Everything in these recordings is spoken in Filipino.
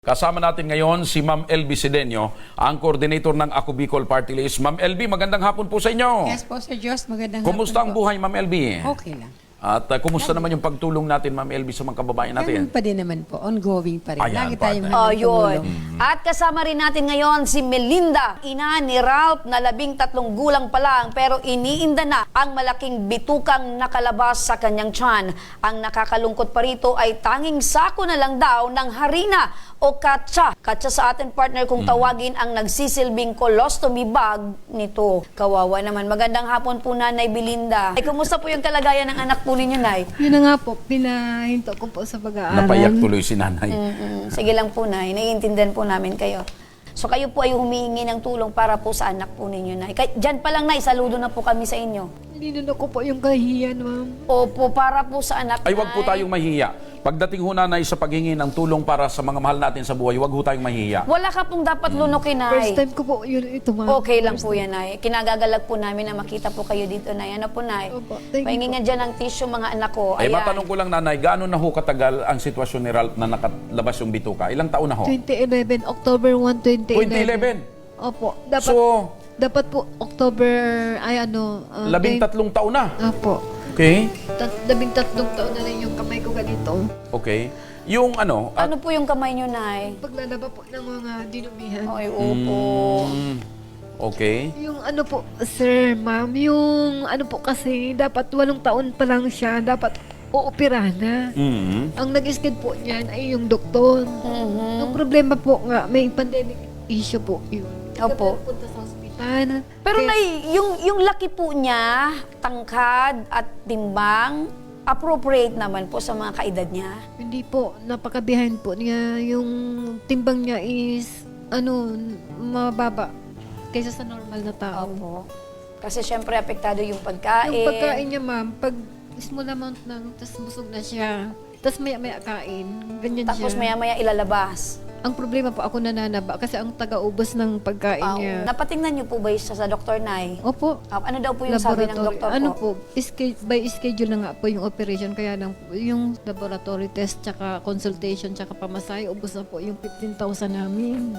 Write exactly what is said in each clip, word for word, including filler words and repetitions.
Kasama natin ngayon si Ma'am L B Sedeño, ang coordinator ng Ako Bicol Party List. Ma'am L B, magandang hapon po sa inyo. Yes po, Sir Diyos. Magandang Kumusta ang hapon po. buhay, Ma'am L B? Okay lang. At uh, kumusta naman yung pagtulong natin, Ma'am L B, sa mga kababayan natin? Ganun pa din naman po. Ongoing pa rin. Ayan, Lagi tayong partner. Oh, handang yun. tumulong. At kasama rin natin ngayon si Melinda, ina ni Ralph na labing tatlong gulang pa lang pero iniinda na ang malaking bitukang nakalabas sa kanyang tiyan. Ang nakakalungkot pa rito ay tanging sako na lang daw ng harina o katsa. Katsa sa atin partner kung tawagin ang nagsisilbing colostomy bag nito. Kawawa naman. Magandang hapon po Nanay Belinda. Ay, kumusta po yung kalagayan ng anak po ninyo, Nay? Yun na nga po, pinahinto ko po sa pag-aaral. Napayak tuloy si nanay. Mm-mm. Sige lang po, Nay. Naiintindihan po namin kayo. So kayo po ay humihingi ng tulong para po sa anak po ninyo, Nay. Kay, dyan pa lang, Nay, saludo na po kami sa inyo. Ninuno ko po yung kahihiyan, ma'am. Opo, para po sa anak, Ay, wag po Nay. tayong mahiya. Pagdating ho, nanay, sa paghingi ng tulong para sa mga mahal natin sa buhay, wag ho tayong mahiya. Wala ka pong dapat lunukin, First Nay. time ko po yun ito, ma'am. Okay lang po yan, Nay. Kinagagalag po namin na makita po kayo dito, Nay. Ano po, Nay? Opo, thank you Pahingi nga dyan ng tissue, mga anak ko. Eh, Ayan. matanong ko lang, nanay, gaano na ho katagal ang sitwasyon ni Ralph na nakalabas yung bituka? Ilang taon na ho? twenty eleven, October first, twenty eleven. twenty eleven. Opo. Dapat, So, dapat po October, ay ano, uh, labing tatlong taon na. Opo. Okay? Tat, labing tatlong taon na rin yung kamay ko ganito. Okay. Yung ano, at Ano po yung kamay nyo, Nay? Paglalaba po ng mga dinumihan. Ay, opo. Mm, okay. Yung ano po, sir, ma'am, yung ano po kasi, dapat walong taon pa lang siya, dapat uopera na. Mm. Ang nag-skid po niyan ay yung doktor. Mhm. Ang problema po nga, may pandemic issue po yun. Opo. Kaya punta sa ospital. Pero Kaya- Nay, yung, yung laki po niya, tangkad at timbang, appropriate naman po sa mga kaedad niya. Hindi po, napaka-behind po niya. Yung timbang niya is, ano, mababa kaysa sa normal na tao. Opo. Kasi syempre apektado yung pagkain. Yung pagkain niya, ma'am, pag small amount lang, tapos busog na siya, tapos maya-maya kain, ganyan Tapos siya. maya-maya ilalabas. Ang problema po, ako nananaba kasi ang taga-ubos ng pagkain Ah, niya. napatingnan niyo po ba siya sa doktor, Nay? Opo. Ah, ano daw po yung sabi ng Laboratory. doktor po? Ano po, iske- by schedule na nga po yung operation, kaya lang po, yung laboratory test, tsaka consultation, tsaka pamasahe, ubos na po yung fifteen thousand namin.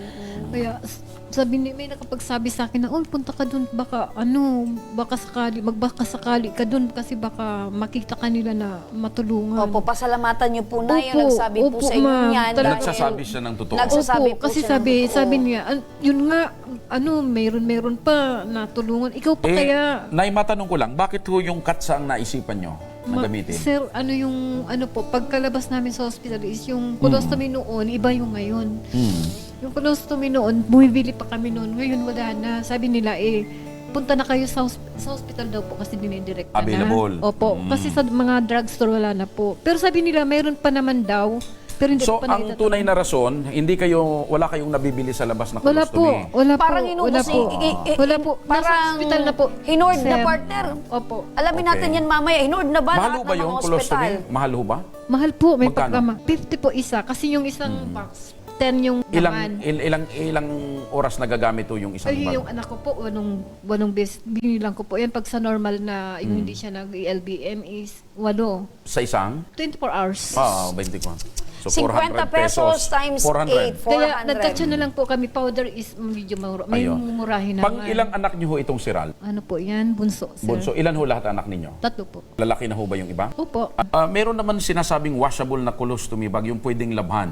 Kaya s- sabi ni, may nakapagsabi sa akin na, oh, punta ka dun, baka ano, baka sakali, magbaka sakali ka dun kasi baka makita ka nila na matulungan. Opo, pasalamatan niyo po, Nay. Opo, Yung nagsabi po opo, sa inyo ma'am. yan. Talaga- Nagsasabi siya ng totoo. Nagsasabi Opo, po kasi siya ng sabi, totoo. sabi niya, "An- yun nga, ano, mayroon-mayroon pa natulungan. Ikaw pa Eh, kaya? Nay, matanong ko lang, bakit ho yung katsa ang naisipan nyo na Ma- gamitin? Sir, ano yung, ano po, pagkalabas namin sa hospital is yung colostomy noon, iba yung ngayon. Hmm. Yung colostomy noon, bumibili pa kami noon. Ngayon wala na. Sabi nila, eh, punta na kayo sa, hosp- sa hospital daw po kasi dinidirect na. Available. Opo, Mm. kasi sa mga drugstore wala na po. Pero sabi nila, mayroon pa naman daw. Pero hindi So, pa ang nakita- tunay na rason, hindi kayo, wala kayong nabibili sa labas na Wala po, colostomy. wala po, Parang wala inubos po. i- i- i- Wala po, nasa Parang hospital na po. Hinord na Sir. partner. Opo. Alamin Okay. natin yan mamaya. Hinord na ba Mahal lahat ho ba ng yung mga colostomy? ospital? Mahal ho ba? Mahal po, may Magkano? pagkama. fifty po isa kasi yung isang box, ten yung Ilang, naman. il- ilang, ilang oras nagagamit ho yung isang Ay, bag? yung anak ko po, wanong, wanong bes, binilang ko po. Yan, pag sa normal na, yung hindi siya nag-L B M is, walo. Sa isang? twenty-four hours. Ah, twenty-one. So, fifty pesos times four hundred. eight, four Kaya, hundred. nagkatsa na lang po kami. Powder is medyo mura. May Ayun. mumurahin naman. Pang ilang anak niyo ho itong si Ral? Ano po yan? Bunso, sir. Bunso, ilan ho lahat anak ninyo? Tatlo po. Lalaki na ho ba yung iba? Opo. Ah, meron naman sinasabing washable na colostomy bag, yung pwedeng labhan.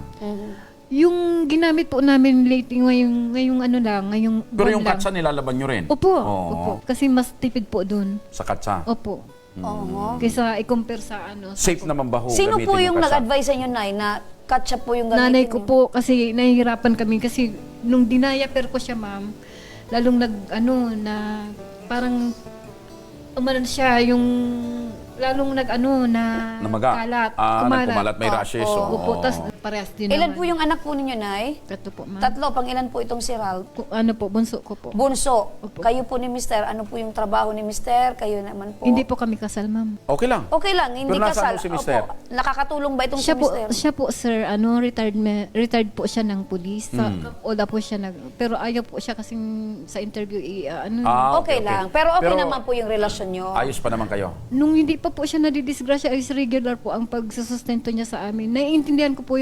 Yung ginamit po namin lately ngayong, ngayong ano lang, ngayong Pero buwan yung lang. katsa nilalaban nyo rin? Opo, Oo. opo. Kasi mas tipid po dun. Sa katsa? Opo. Oo. Kaysa i-compare sa ano. sa- Safe naman ba ho Sino gamitin po yung katsa? nag-advise sa inyo, Nay, na ketchup po yung gamitin Nanay ko niyo? po kasi nahihirapan kami kasi nung dinayaper ko siya, ma'am, lalong nag ano na parang umanan siya yung lalong nag ano na Namaga? kalat. Ah, kumalat. nagkumalat, may Oo, rashes. oo. oo. Opo, tas parehas din Ilan naman. po yung anak po ninyo, Nay? Tatlo po, ma'am. Tatlo. Pang ilan po itong si Ralph? Ku- Ano po, bunso ko po. Bunso. Opo. Kayo po ni Mister. Ano po yung trabaho ni Mister? Kayo naman po. Hindi po kami kasal, ma'am. Okay lang. Okay lang, hindi Pero nasaan kasal. po si Mister? Opo. Nakakatulong ba itong Siya si po, Mister? siya po sir, ano, retired me- retired po siya ng police. Sa Hmm. Ola po siya nag pero ayaw po siya kasi sa interview i uh, ano. Ah, okay, lang. Pero okay Pero naman po yung relasyon nyo. Ayos pa naman kayo. Nung hindi pa po siya nadidisgrasya, is regular po ang pagsusustento niya sa amin. Naiintindihan ko po yung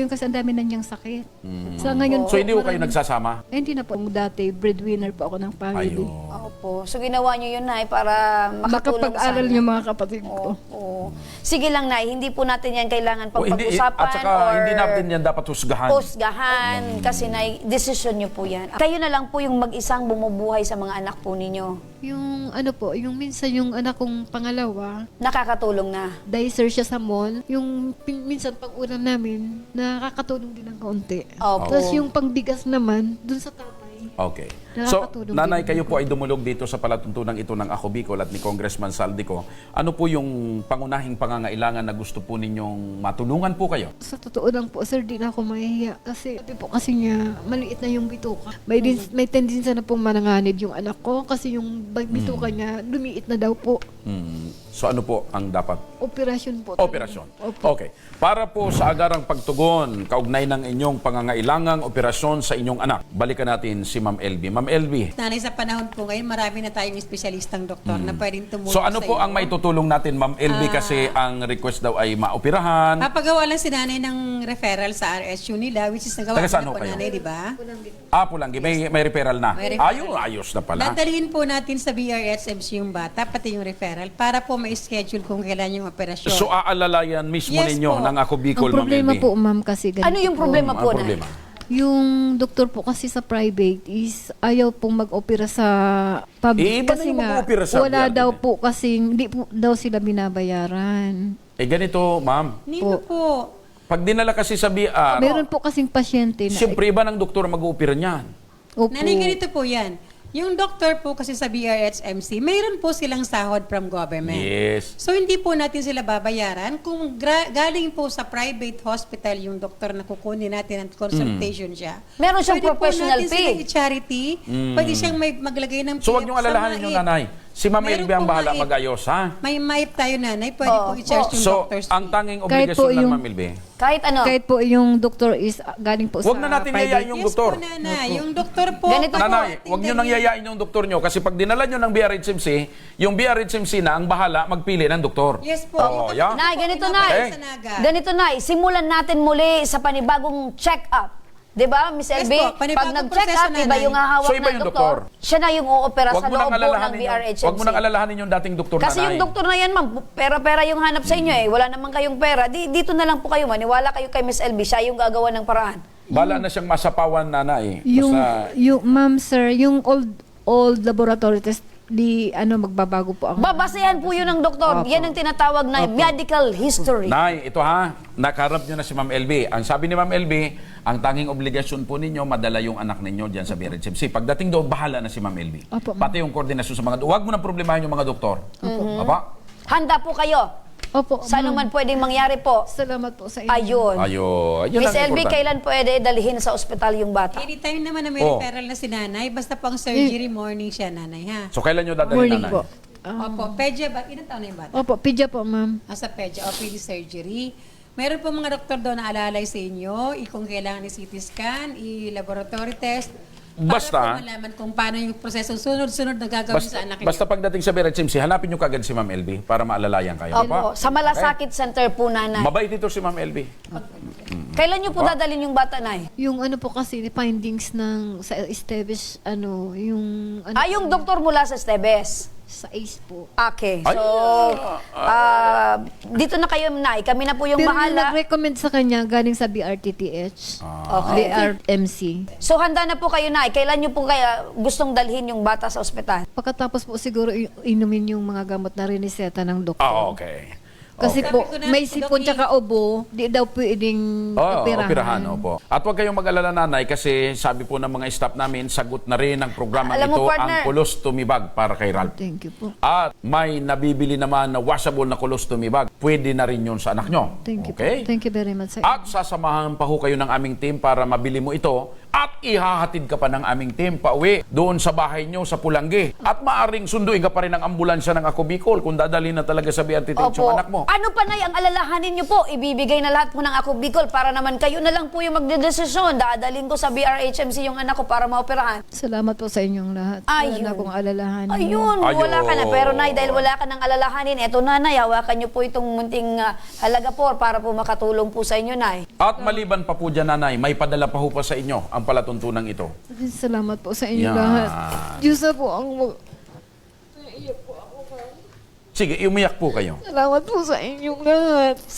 ngayon kasi ang dami na niyang sakit. Sa ngayon So, hindi ko kayo marami- nagsasama? Eh, hindi na po. Dati, breadwinner po ako ng family. Ayun. Opo. So ginawa niyo yun, Nay, para makatulong sa Makapag-aral amin. yung mga kapatid ko. Oo. Sige lang, Nay, hindi po natin yan kailangan O, hindi, pag-usapan at saka, or hindi natin yan dapat husgahan. husgahan kasi, Nay, decision niyo po yan. Kayo na lang po yung mag-isang bumubuhay sa mga anak po ninyo. Yung ano po, yung minsan yung anak kong pangalawa, Nakakatulong na. dicer siya sa mall. Yung pin- minsan pag ulam namin, nakakatulong din ng kaunti. Opo. Tapos yung pangbigas naman, dun sa tatay. Okay. So, Nakakatulong nanay, din. kayo po ay dumulog dito sa palatuntunan ito ng Ako Bicol at ni Congressman Saldico. Ano po yung pangunahing pangangailangan na gusto po ninyong matulungan po kayo? Sa totoo lang po, sir, di na ako mahihiya. Kasi sabi po kasi niya, maliit na yung bituka. May, din, may tendency na pong mananganib yung anak ko kasi yung bituka niya, lumiit na daw po. Hmm. So, ano po ang dapat? Operasyon po. Operasyon. Opo. Okay. Para po sa agarang pagtugon, kaugnay ng inyong pangangailangang operasyon sa inyong anak, balikan natin si Ma'am L B. Ma'am L B, Nanay, sa panahon po ngayon, marami na tayong espesyalistang doktor na pwedeng tumulong so ano sa po iyo. ang may tutulong natin, Ma'am L B, Ah. kasi ang request daw ay maoperahan. Papagawa lang si nanay ng referral sa R S U nila, which is nagawa Taga ko saan na ho po kayo? nanay, di ba? Ah, Pulanggi, may, may referral na. May referral. Ayun, ayos na pala. Dadalhin po natin sa B R S M C yung bata, pati yung referral, para po ma-schedule kung kailan yung operasyon. So, aalalayan mismo Yes ninyo po. ng Ako Bicol, Ang Ma'am problema L B. po, ma'am, kasi ganito Ano yung po. problema Ang po, Nay? problema. Yung doktor po kasi sa private is ayaw pong mag-opera sa public Eh, iba na kasi yung nga mag-opera sa wala B R T. daw po kasi hindi po daw sila binabayaran. Eh, ganito, Ma'am. Nino po. Pag dinala kasi sa B R, Meron po kasing pasyente na siyempre iba ng doktor mag-oopera niyan. Opo. Nanay, ganito po yan. Yung doctor po kasi sa B R S M C, mayroon po silang sahod from government. Yes. So hindi po natin sila babayaran kung gra- galing po sa private hospital yung doktor na kukunin natin at consultation siya. Meron siyang Pwede professional po natin fee. silang i-charity. Pwede siyang may maglagay ng So, wag P F niyong sa alalahanin MAIP. yung nanay. Si Ma'am Meron L B ang po bahala MAIP. mag-ayos, ha? May MAIP tayo nanay, pwede po i-charge yung So, doctor's ang fee. tanging Kahit po obligasyon ng yung- Ma'am L B, Kahit ano. Kahit po yung doktor is ah, galing po Huwag sa na natin private. yayain yung Yes doktor. po nanay, yung doktor po. Ganito po. Nanay, huwag niyo nang yayain yung doktor niyo kasi pag dinala niyo ng B R H M C, yung B R H M C na ang bahala magpili ng doktor. Yes po. Oo, Yung yeah. Nay, ganito, pinapay Nay. sa Naga. Ganito, Nay. Simulan natin muli sa panibagong check-up. Di ba, Miss Yes L B? po, panibagong Pag nag-check proseso, up, iba Nanay. yung hahawak So, iba ng yung doktor. doktor. Siya na yung uopera Huwag sa mo nang loob po ng alalahanin B R H yung, M C. huwag mo nang alalahanin yung dating doktor Kasi nanay. yung doktor na yan, ma'am, pera-pera yung hanap sa inyo eh. Wala naman kayong pera. Di, dito na lang po kayo, maniwala kayo kay Miss L B. Siya yung gagawa ng paraan. Bala na siyang masapawan nanay. Yung, Basta, yung, ma'am, sir, yung old old laboratory test, di, ano, magbabago po ang... Babasehan po yun ng doktor. Opo. Yan ang tinatawag na medical history. Nay, ito ha, nakaharap nyo na si Ma'am L B. Ang sabi ni Ma'am L B, ang tanging obligasyon po ninyo, madala yung anak ninyo dyan sa B R H M C. Pagdating doon, bahala na si Ma'am L B. Opo, ma'am. Pati yung koordinasyon sa mga... Huwag mo nang problemahin yung mga doktor. Apa? Handa po kayo. Opo, Sa ma'am. anuman pwedeng mangyari po. Salamat po sa inyo. Ayun. Ayo, ayun Miss ang L B, importante. kailan pwede dalhin sa ospital yung bata? Anytime naman na may Oh. referral na si nanay, basta pang surgery morning siya nanay ha. So, kailan nyo dadalhin Morning nanay? po. Ah, Opo, pedya ba? Ilan taon na yung bata? opo, pidya po, ma'am. Asa pedya o P D surgery. Meron po mga doktor doon na alalay sa inyo, i- kung kailangan i-C T scan, i-laboratory test. Basta- Para po malaman kung paano yung proseso sunod-sunod na gagawin Basta, sa anak basta niyo. pagdating sa B R H M C, hanapin nyo kagad si Ma'am L B para maalalayan kayo. Opo. Apa? Sa Malasakit Center po, nanay. Mabait ito si Ma'am L B. Kailan nyo po Opo. dadalhin yung bata, nay? Yung ano po kasi, findings ng sa Esteves, ano, yung... Ano, Ah, yung doktor mula sa Stebes. Sa A C E po. Okay. Ay. So, ah, dito na kayo, nay. Kami na po yung Pero yung bahala. nag-recommend sa kanya galing sa B R T T H, Okay. B R M C. So, handa na po kayo, nay. Kailan nyo po kaya gustong dalhin yung bata sa ospital? Pagkatapos po siguro i- inumin yung mga gamot na riniseta ng doktor. Ah, okay. Kasi Okay. po, Sabi ko na, may sipon Doc, tsaka ubo, di daw pwedeng Oo, operahan. operahan, opo. At huwag kayong mag-alala nanay kasi sabi po ng mga staff namin, sagot na rin ang programa Alam mo, ito partner. ang colostomy bag para kay Ralph. Thank you po. At may nabibili naman na washable na colostomy bag. Pwede na rin yun sa anak nyo. Thank you Okay? po. Thank you very much, sir. At sasamahan pa ho kayo ng aming team para mabili mo ito at ihahatid ka pa ng aming team pauwi doon sa bahay nyo sa Pulangge. At maaring sunduin ka pa rin ng ambulansya ng Ako Bicol kung dadalhin na talaga sa B R T Tencho Opo. ang anak mo. Ano pa, Nay, ang alalahanin niyo po? Ibibigay na lahat po ng Ako Bicol para naman kayo na lang po yung magdedesisyon. Dadalhin ko sa B R H M C yung anak ko para maoperahan. Salamat po sa inyong lahat. Wala Ayun. na akong alalahanin. Ayun, Ayun. wala ka na. Pero Nay, dahil wala ka ng alalahanin, eto na, Nay, hawakan niyo po itong munting ah, halaga po para po makatulong po sa inyo, Nay. At maliban pa po dyan, nanay, may padala pa ho pa sa inyo ang palatuntunan ito. Salamat po sa inyong Yan. lahat. Diyos na po ang mag... Sige, umiyak po kayo. Salamat po sa inyong lahat.